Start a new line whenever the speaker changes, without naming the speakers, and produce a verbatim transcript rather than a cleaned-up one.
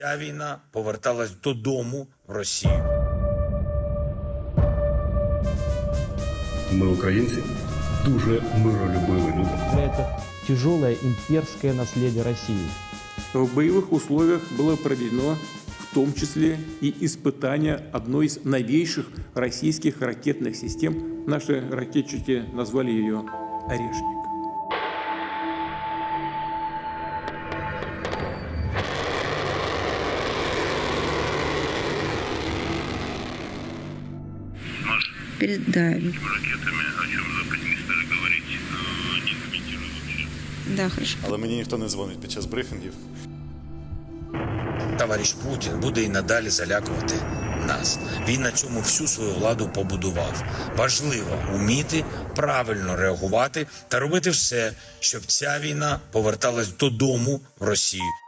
Ця війна поверталась додому в Росію.
Ми, українці, дуже миролюбиві люди.
Это тяжелое имперское наследие России.
В боевых условиях было проведено в том числе и испытание одной из новейших российских ракетных систем. Наши ракетчики назвали ее «Орешник».
Перед, да.
Ракетами, о чем Запад не стали говорить, не комментирую вообще.
Да, хорошо.
Але мені ніхто не дзвонить під час брифінгів.
Товариш Путін буде і надалі залякувати нас. Він на цьому всю свою владу побудував. Важливо вміти правильно реагувати та робити все, щоб ця війна поверталась додому в Росію.